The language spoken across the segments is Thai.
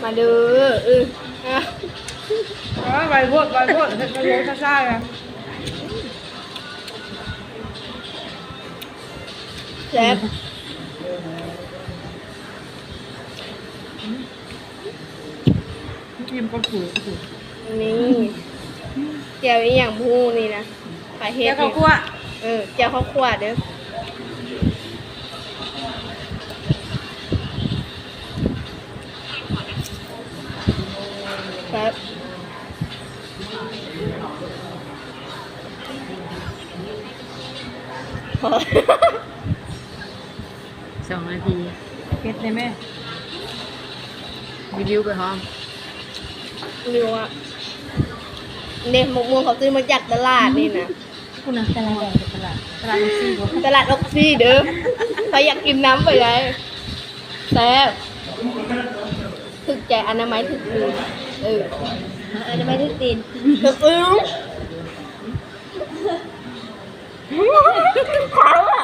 มาดูใบพดเห็ดกระโหลกซ่าๆเลยแซ่บกินก็ถูกนี่เจียวอีอย่างพูนี่นะปลาเฮ็ดแกข้าวคั่วเจียวข้าวคั่วเด้อครับ 2 นาทีเผ็ดเลยแม่วิวไปพร้อมดูอ่ะเด็กหมกม่วงเขาซื้อมาจากตลาดนี่นะคุณน่ะตลาดตลาดซี่บ่ตลาดออกซี่เด้อใครอยากกินน้ำไปเลยแซ่บถึกใจอนามัยถึกมืออนามัยถึกตีนถึกเขาอะ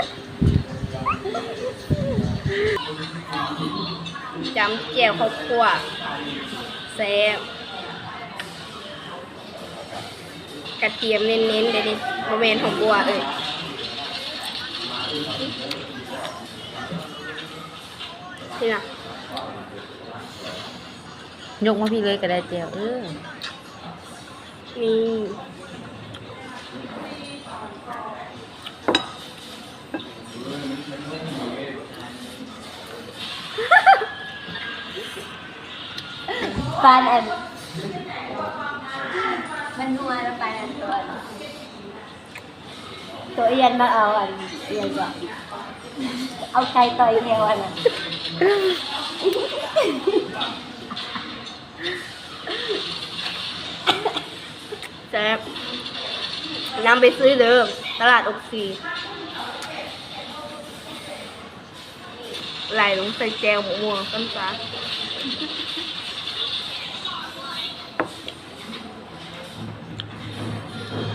จำแจ่วข้าวคั่วแซ่บกระเทียมเน้นๆเดี๋ยวนี้โมเมนต์ของบัวนี่นะยกมาพี่เลยก็ได้เจียวนี่ปานอันมันนัวแล้วปานอันตัวเอียนมาเอาอันเอียนก่อนเอาไก่ต่อยแถวอันนั้นแซ่บนำไปซื้อเดิมตลาดอกซีไหลลงใส่แจวหมูม่วงต้นฟ้า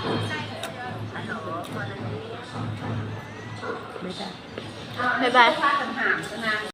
ไม่ได้บ๊ายบาย